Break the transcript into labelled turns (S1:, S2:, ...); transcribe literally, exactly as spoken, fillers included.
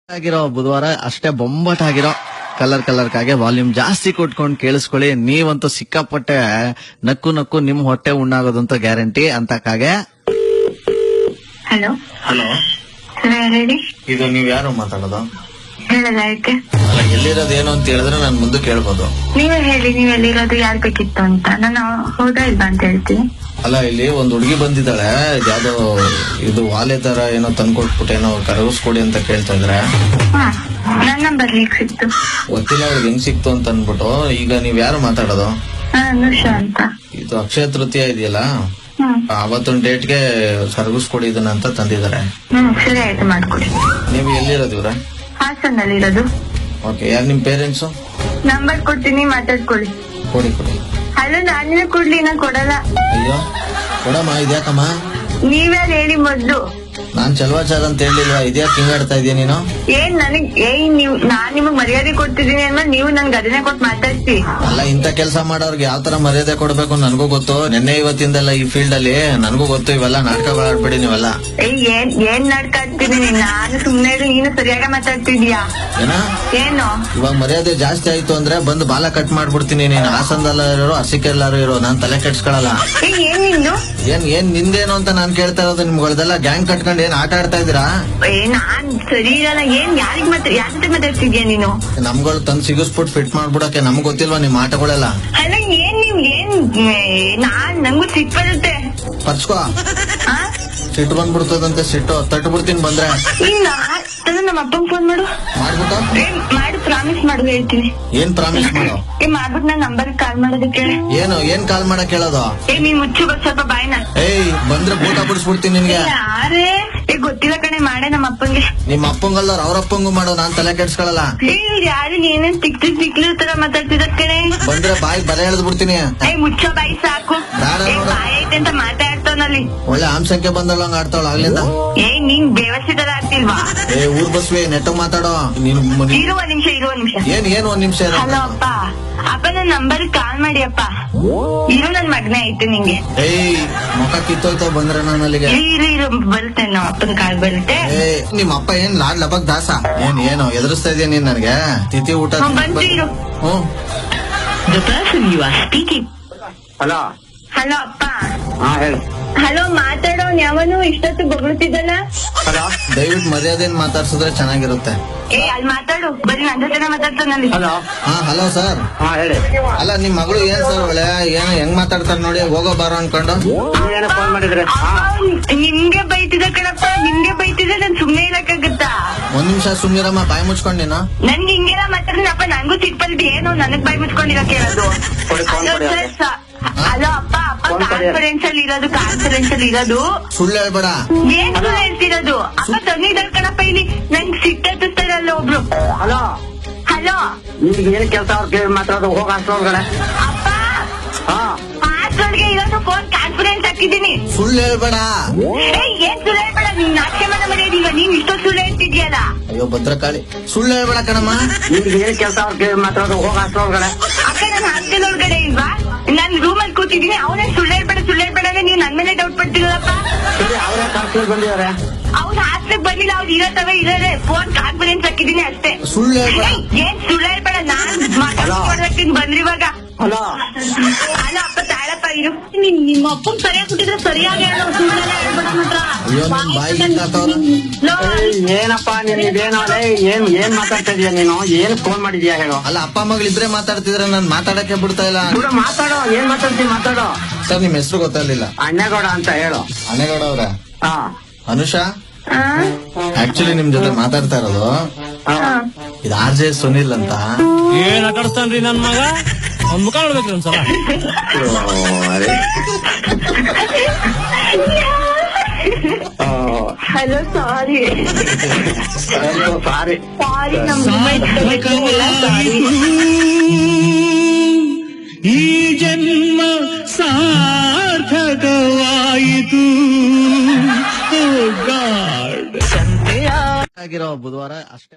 S1: ಆಗಿರೋ ಬುಧವಾರ ಅಷ್ಟೇ ಬೊಂಬಾಟ್ ಆಗಿರೋ ಕಲರ್ ಕಲರ್ ಕಾಗೆ ವಾಲ್ಯೂಮ್ ಜಾಸ್ತಿ ಕೊಟ್ಕೊಂಡು ಕೇಳಿಸ್ಕೊಳ್ಳಿ. ನೀವಂತೂ ಸಿಕ್ಕಾಪಟ್ಟೆ ನಕ್ಕು ನಕ್ಕು ನಿಮ್ ಹೊಟ್ಟೆ ಉಣ್ಣಾಗೋದಂತ ಗ್ಯಾರಂಟಿ ಅಂತ ಕಾಗೆ.
S2: ಹಲೋ
S1: ಹಲೋ,
S2: ಹೇಳಿ.
S1: ಇದು ನೀವ್ ಯಾರು ಮಾತಾಡೋದು?
S2: ಹೇಳಲ್ಲ, ಯಾಕೆ?
S1: ಅಲ್ಲ, ಎಲ್ಲಿರೋದು ಏನು ಅಂತ ಹೇಳಿದ್ರೆ ನಾನು ಮುಂದೆ ಕೇಳ್ಬೋದು.
S2: ನೀವೇ ಹೇಳಿ, ನೀವ್ ಎಲ್ಲಿರೋದು, ಯಾರ್ ಬೇಕಿತ್ತು ಅಂತ. ನಾನು ಹೌದಾ ಇಲ್ವಾ ಅಂತ ಹೇಳ್ತೀನಿ.
S1: ಅಲ್ಲ, ಇಲ್ಲಿ ಒಂದ್ ಹುಡುಗಿ ಬಂದಿದ್ದಾಳೆ, ಯಾವ್ದೋ ಇದು ವಾಲೆ ತರ ಏನೋ ತಂದ್ಕೊಟ್ಬಿಟ್ಟು ಏನೋ ಕರಗಿಸ್ಕೊಡಿ ಅಂತ ಕೇಳ್ತಾ ಇದ್ರೆ.
S2: ಹಾ, ನನ್ ನಂಬರ್ ಹೇಗ್ ಸಿಕ್ತು?
S1: ಗೊತ್ತಿಲ್ಲ ಅವ್ರಿಗೆ ಹೆಂಗ್ ಸಿಕ್ತು ಅಂತ ಅನ್ಬಿಟ್ಟು. ಈಗ ನೀವ್ ಯಾರು ಮಾತಾಡೋದು?
S2: ಹಾ, ಅನುಷಾ ಅಂತ.
S1: ಇದು ಅಕ್ಷಯ ತೃತೀಯ ಇದೆಯಲ್ಲ,
S2: ಹ್ಮ್
S1: ಅವತ್ತೊಂದ್ ಡೇಟ್ಗೆ ಕರಗಿಸ್ಕೊಡಿ ಇದನ್ನ ಅಂತ ತಂದಿದ್ದಾರೆ.
S2: ಹ್ಮ್ ಸರಿ ಆಯ್ತು, ಮಾಡ್ಕೊಡಿ.
S1: ನೀವು ಎಲ್ಲಿರೋದು ಇವ್ರ?
S2: ಹಾಸನಲ್ಲಿ ಇರೋದು.
S1: ಓಕೆ, ಯಾರು ನಿಮ್ ಪೇರೆಂಟ್ಸು?
S2: ನಂಬರ್ ಕೊಡ್ತೀನಿ, ಮಾತಾಡ್ಕೊಳ್ಳಿ.
S1: ಕೊಡಿ ಕೊಡಿ.
S2: ಅಲ್ಲ, ನಾನಿನ ಕೊಡ್ಲಿ, ನಾ ಕೊಡಲ್ಲ.
S1: ಅಯ್ಯೋ ಕೊಡಮ್ಮ, ಇದ್ಯಾಕಮ್ಮ?
S2: ನೀವ್ಯಾರು ಹೇಳಿ ಮೊದ್ಲು.
S1: ನಾನ್ ಚಲವಾಚಾರ ಅಂತ ಹೇಳಿಲ್ವಾ? ಇದ್ಯಾಕೆ ಹಿಂಗಾಡ್ತಾ ಇದೀಯ ನೀನು?
S2: ಏನ್ ನನಗ್ ಏನ್ ನೀವ್ ನಾನ್ ನಿಮಗ್ ಮರ್ಯಾದೆ ಕೊಡ್ತಿದೀನಿ ಅಂದ್ಮೇಲೆ ನೀವು ನನ್ಗೆ ಅದನ್ನೇ ಕೊಟ್ಟು ಮಾತಾಡ್ತಿ.
S1: ಅಲ್ಲ, ಇಂತ ಕೆಲಸ ಮಾಡೋರ್ಗೆ ಯಾವ ತರ ಮರ್ಯಾದೆ ಕೊಡ್ಬೇಕು ನನ್ಗೂ ಗೊತ್ತು. ನಿನ್ನೆ ಇವತ್ತಿಂದಲ್ಲ ಈ ಫೀಲ್ಡ್ ಅಲ್ಲಿ ನನ್ಗೂ ಗೊತ್ತು. ಇವೆಲ್ಲ ನಾಟಕಗಳಾಡ್ಬೇಡಿ ನೀವೆಲ್ಲ.
S2: ಏ ಏನ್ ಏನ್ ನಾಟಕ ಆಡ್ತಿದೀನಿ ನಾನು? ಸುಮ್ನೆ ಇರು, ನೀನು ಸರಿಯಾಗಿ ಮಾತಾಡ್ತಿದ್ಯಾ?
S1: ಏನ
S2: ಏನು
S1: ಇವಾಗ ಮರ್ಯಾದೆ ಜಾಸ್ತಿ ಆಯ್ತು ಅಂದ್ರೆ ಬಂದು ಬಾಲ ಕಟ್ ಮಾಡ್ಬಿಡ್ತೀನಿ. ನೀನ್ ಹಾಸನದಲ್ಲ ಇರೋ, ಹಸಿಕೆಲ್ಲಾರು ಇರೋ, ನಾನ್ ತಲೆ ಕೆಡ್ಸ್ಕೊಳಲ್ಲ.
S2: ಏ ಏನ್ ನಿಂದು?
S1: ಏನ್ ಏನ್ ನಿಂದೇನು ಅಂತ ನಾನ್ ಕೇಳ್ತಾ ಇರೋದು. ನಿಮ್ಗಳ್ದೆಲ್ಲ ಗ್ಯಾಂಗ್ ಕಟ್ಕೊಂಡು ಏನ್ ಆಟ ಆಡ್ತಾ ಇದೀರಾ?
S2: ಏ ನಾನ್ ಸರಿ ಇರಲ್ಲ. ಏನ್ ಯಾರಿಗ್ ಮಾತ್ರ ಯಾರ ಜೊತೆ ಮಾತಾಡ್ತಿದ್ಯಾ ನೀನು?
S1: ನಮ್ಗಳು ತಂದ್ ಸಿಗಿಸ್ಬಿಟ್ಟು ಫಿಟ್ ಮಾಡ್ಬಿಡಕ್ಕೆ ನಮ್ಗ್ ಗೊತ್ತಿಲ್ವಾ ನಿಮ್ ಆಟಗಳೆಲ್ಲ?
S2: ಅಲ್ಲ, ಏನ್ ನೀವ್ ಏನ್ ಏ, ನಾನ್ ನಂಗೂ ಸಿಟ್ ಬರುತ್ತೆ.
S1: ಪರ್ಚ್ಕೋ,
S2: ಆ?
S1: ಸಿಟ್ಟು ಬಂದ್ಬಿಡ್ತದಂತೆ. ಸಿಟ್ಟು ತಟ್ಟು ಬಿಡ್ತೀನಿ ಬಂದ್ರೆ.
S2: ಇಲ್ಲ, ನಮ್ಮ ಅಪ್ಪಂಗ್ ಫೋನ್ ಮಾಡು.
S1: ಮಾಡ್ಬಿಟ್ಟು
S2: ಏ ಮಾಡು, ಪ್ರಾಮಿಸ್ ಮಾಡು, ಹೇಳ್ತೀನಿ.
S1: ಏನ್ ಪ್ರಾಮಿಸ್ ಮಾಡು?
S2: ಏ ಮಾಡ್ಬಿಟ್ಟು ನಾನ್ ನಂಬರ್ ಕಾಲ್ ಮಾಡೋದಕ್ಕೆ.
S1: ಏನು ಏನ್ ಕಾಲ್ ಮಾಡಕ್ ಹೇಳೋದು?
S2: ಏ ನೀನ್ ಮುಚ್ಚು ಬಸ್ ಸ್ವಲ್ಪ ಬಾಯ್ನ.
S1: ಏಯ್, ಬಂದ್ರೆ ಬೂಟ ಬಿಡಿಸ್ಬಿಡ್ತೀನಿ ನಿನ್ಗೆ.
S2: ಯಾರೇ? ಏ ಗೊತ್ತಿಲ್ಲ ಕಣೆ, ಮಾಡೆ ನಮ್ಮ ಅಪ್ಪಂಗೆ.
S1: ನಿಮ್ ಅಪ್ಪಂಗಲ್ಲ ಅವ್ರ ಅಪ್ಪಂಗೂ ಮಾಡೋ, ನಾನ್ ತಲೆ ಕೆಡ್ಸ್ಕೊಳಲ್ಲ.
S2: ಏ ಯಾರು ನೀನೇನ್ ತಿಕ್ತಿ ತಿಕ್ಲಿ ತರ ಮಾತಾಡ್ತಿದ ಕಣೆ.
S1: ಬಂದ್ರೆ ಬಾಯಿ ಬರ ಎಳ್ದ್ ಬಿಡ್ತೀನಿ.
S2: ಏ ಮುಚ್ಚೋ ಬಾಯಿ ಸಾಕು.
S1: ಬೇಡ
S2: ಏ
S1: ನೋಡು.
S2: ಬಾಯ್ ಐತೆ ಅಂತ ಮಾತಾಡ್ತಾವನಲ್ಲಿ.
S1: ಒಳ್ಳೆ ಆಮ್ಸಂಖ್ಯೆ ಬಂದಲ್ಲ ಹಂಗ ಆಡ್ತಾವಳ ಆಗ್ಲಿಂದ.
S2: ಏ ನೀನ್ ಬೇವಸ್ಥಿತರ ಆಗ್ತಿಲ್ವಾ?
S1: ಏ ಊರ್ ಬಸ್ವಿ ನೆಟ್ಟಗ್ ಮಾತಾಡೋ ನೀನು.
S2: ಇರುವ ನಿಮಿಷ ಇರುವ ನಿಮಿಷ
S1: ಏನ್ ಏನ್ ಒಂದ್ ನಿಮಿಷ ಇರು.
S2: ಹಲೋ ಅಪ್ಪ. ಅಪ್ಪ ನನ್ ನಂಬರ್ ಕಾಲ್ ಮಾಡಿ ಅಪ್ಪ. ಇರು, ನನ್ ಮಗನೇ ಐತೆ ನಿಂಗೆ.
S1: ಏಯ್, ಮುಖ ಕಿತ್ತೋಯ್ತಾವ ಬಂದ್ರೆ ನಾನು ಅಲ್ಲಿಗೆ.
S2: ಇರು ಇರು ಬರುತ್ತೆ, ನಮ್ಮ ಅಪ್ಪನ ಕಾಲ್ ಬರುತ್ತೆ.
S1: ಏ ನಿಮ್ ಅಪ್ಪ ಏನ್ ಲಾಡ್ ಲಬಕ್ ದಾಸ? ಏನ್ ಏನು ಎದುರಿಸ್ತಾ ಇದೀಯ ನೀನ್ ನನ್ಗೆ? ತಿಥಿ ಊಟ
S2: ಹ್ಮ್, ಬಂತು, ಇರು.
S1: ಹ್ಮ್.
S2: The person you are speaking.
S3: Hello.
S2: Hello ಅಪ್ಪ.
S3: ಹಾ ಹೇಳಿ.
S2: ಹಲೋ, ಮಾತಾಡೋನ್ ಯಾವನು ಇಷ್ಟೊತ್ತು ಬೊಗಳ್ತಿದ್ದಲ್ಲ?
S3: ಹಲೋ.
S1: ದಯವಿಟ್ಟು ಮರ್ಯಾದೆನ್ ಮಾತಾಡ್ಸಿದ್ರೆ ಚೆನ್ನಾಗಿರುತ್ತೆ.
S2: ಏ ಅಲ್ಲಿ ಮಾತಾಡು, ಬರೀ ನನ್ನ ಜೊತೆನೆ ಮಾತಾಡ್ತಾನಲ್ಲಿ.
S3: ಹಲೋ.
S1: ಹಾ ಹಲೋ ಸರ್.
S3: ಹಾ ಹೇಳಿ.
S1: ಅಲ್ಲ, ನಿಮ್ ಮಗಳು ಏನ್ ಸರ್ ಒಳ್ಳೆ ಏನ್ ಹೆಂಗ್ ಮಾತಾಡ್ತಾರ ನೋಡಿ, ಹೋಗೋ ಬಾರೋ ಅನ್ಕೊಂಡು.
S3: ನೀವೇನೋ ಫೋನ್ ಮಾಡಿದ್ರೆ? ಹಾ.
S2: ನಿಮ್ಗೆ ಬೈತಿದ್ದ ಕಣಪ್ಪ, ನಿಮ್ಗೆ ಬೈತಿದ್ದ, ನನ್ ಸುಮ್ನೆ ಇರಕ್ಕಾಗತ್ತಾ?
S1: ಒಂದ್ ನಿಮಿಷ ಸುಮ್ನಿರಮ್ಮ, ಬಾಯಿ ಮುಚ್ಕೊಂಡ್ ನೀನು.
S2: ನನ್ಗೆ ಹಿಂಗೆಲ್ಲ ಮಾತಾಡ್ನಪ್ಪ, ನನ್ಗೂ ಸಿಟ್ ಬಂದಿದ್ದು. ಏನು ನನಗ್ ಬಾಯ್ ಮುಚ್ಕೊಂಡಿರಕ್ ಹೇಳೋದು?
S3: ಕೊಡಿ, ಫೋನ್ ಕೊಡಿ ಅವ್ರಿಗೆ.
S2: ಅಲೋ ಅಪ್ಪ, ಅಪ್ಪ
S3: ಫೋನ್ ಕೊಡಿ.
S2: ಕಾನ್ಫರೆನ್ಸ್ ಅಲ್ಲಿ ಇರೋದು, ಕಾನ್ಫರೆನ್ಸ್ ಅಲ್ಲಿ ಇರೋದು.
S1: ಸುಳ್ಳು ಹೇಳ್ಬೇಡ.
S2: ಏನ್ ಸುಳ್ಳು ಹೇಳ್ತಿರೋದು? ಅಪ್ಪ ತಂದಿದ್ದಾರ ಕಣಪ್ಪ ಇಲ್ಲಿ. ನಂಗ್ ಸಿಟ್ಟತ್ತಿಸ್ತಾರಲ್ಲ ಒಬ್ರು.
S3: ಹಲೋ.
S2: ಹಲೋ
S3: ನಿಮ್ಗೆ ಏನ್ ಕೆಲಸ ಅವ್ರು ಕೇಳಿ ಮಾತಾಡೋದು? ಹೋಗ ಅಷ್ಟೊಳಗಡೆ.
S2: ಅಪ್ಪ,
S3: ಹಾ.
S2: ಹಾಸ್ಟೆಲ್ಗೆ ಇರೋದು ಫೋನ್ ಕಾನ್ಫರೆನ್ಸ್ ಹಾಕಿದ್ದೀನಿ.
S1: ಸುಳ್ಳು ಹೇಳ್ಬೇಡ.
S2: ಏ ಏನ್ ಸುಳ್ಳು ಹೇಳ್ಬೇಡ, ನಿನ್ ನಾಟ್ಯ ಮನ ಮನೆಯದಿಲ್ವ? ನೀನ್ ಇಷ್ಟೊಂದು ಸುಳ್ಳು ಹೇಳ್ತಿದ್ಯಲ್ಲ.
S1: ಅಯ್ಯೋ ಭದ್ರಕಾಳಿ, ಸುಳ್ಳು ಹೇಳ್ಬೇಡ ಕಣಮ್ಮ.
S3: ನಿಮ್ಗೆ ಏನ್ ಕೆಲಸ ಅವ್ರು ಕೇಳಿ ಮಾತಾಡೋದು? ಹೋಗ ಅಷ್ಟೊಳಗಡೆ.
S2: ಅಕ್ಕ, ನಾನು ಹಾಸ್ಟೆಲ್ ಒಳಗಡೆ ಇಲ್ವಾ? ನಾನ್ ರೂಮ್ ಅಲ್ಲಿ ಕೂತಿದ್ದೀನಿ. ಅವನೇ ಸುಳ್ಳು ಹೇಳ್ಬೇಡ ಸುಳ್ಳು ಹೇಳ್ಬೇಡ ಅಂದ್ರೆ ನೀವ್ ನನ್ ಮೇಲೆ ಡೌಟ್ ಪಡ್ತಿರಲ್ಲಪ್ಪ.
S3: ಸರಿ, ಅವರೇ ಕಾನ್ಸ್ಟೇಬಲ್ ಬಂದಿದ್ದಾರೆ.
S2: ಅವ್ರು ಹಾಸ್ಟೆಲ್ ಬಂದಿಲ್ಲ, ಅವ್ರು ಇರತ್ತವ ಇರೋದೇ. ಫೋನ್ ಕಾನ್ಫರೆನ್ಸ್ ಹಾಕಿದ್ದೀನಿ ಅಷ್ಟೇ.
S1: ಸುಳ್ಳು ಹೇಳ್ಬೇಡ.
S2: ಏ, ಏನ್ ಸುಳ್ಳು ಹೇಳ್ಬೇಡ, ನಾನ್ ಮಾತಾಡ್ತೀನಿ ಬಂದ್ರಿ ಇವಾಗ.
S3: ಹಲೋ.
S2: ಅಲ್ಲ ಅಪ್ಪ, ತಾಳಪ್ಪ ಇರು. ನಿನ್ ನಿಮ್ಮ ಅಪ್ಪನ್ ಸರಿಯಾಗಿ ಕೊಟ್ಟಿದ್ರೆ ಸರಿಯಾಗಿ ಹೇಳೋ, ಸುಳ್ಳೆಲ್ಲ ಹೇಳ್ಬೇಡ ಮಾತ್ರ.
S1: ಅಯ್ಯೋ, ನಿನ್ ಬಾಯಿಗೆ ಹಿಂಗಾಕವ್ರ.
S2: ಲೋ,
S3: ಏಯ್, ಏನಪ್ಪ ನೀನ್ ಇದೇನೋ ಲೇ, ಏನ್ ಏನ್ ಮಾತಾಡ್ತಾ ಇದೀಯ ನೀನು? ಏನ್ ಫೋನ್ ಮಾಡಿದ್ಯಾ ಹೇಳು?
S1: ಅಲ್ಲ, ಅಪ್ಪ ಮಗಳಿಬ್ರೆ ಮಾತಾಡ್ತಿದ್ರೆ ನಾನ್ ಮಾತಾಡಕ್ಕೆ ಬಿಡ್ತಾ ಇಲ್ಲ.
S3: ಕೂಡ ಮಾತಾಡೋ, ಏನ್ ಮಾತಾಡ್ತೀನಿ ಮಾತಾಡೋ.
S1: ಸರ್, ನಿಮ್ ಹೆಸರು ಗೊತ್ತಾಗ್ಲಿಲ್ಲ.
S3: ಅಣ್ಣಗೌಡ ಅಂತ ಹೇಳು.
S1: ಅನೇಗೌಡ ಅವ್ರ?
S3: ಹಾ.
S1: ಅನುಷಾ,
S2: ಆ?
S1: ಆಕ್ಚುಲಿ ನಿಮ್ ಜೊತೆ ಮಾತಾಡ್ತಾ ಇರೋದು
S3: ಹಾ.
S1: ಇದು ಆರ್ ಜೆ ಸುನಿಲ್ ಅಂತ.
S4: ಏನ್ ಆಟಾಡ್ತಾನ್ರಿ ನನ್ ಮಗ? ಅವ್ನ್ ಮುಖ ನೋಡ್ಬೇಕ್ರಿ ಒಂದ್ಸಲ.
S2: ಹಲೋ, ಸಾರಿ
S3: ಸಾರಿ.
S2: ಸಾರಿ, ನಮ್ ಸಾರಿ.
S4: ಈ ಜನ್ಮ ಸಾರ್ಥಕವಾಯಿತು. ಓ ಗಾಡ್.
S1: ಆಗಿರೋ ಬುಧವಾರ ಅಷ್ಟೇ.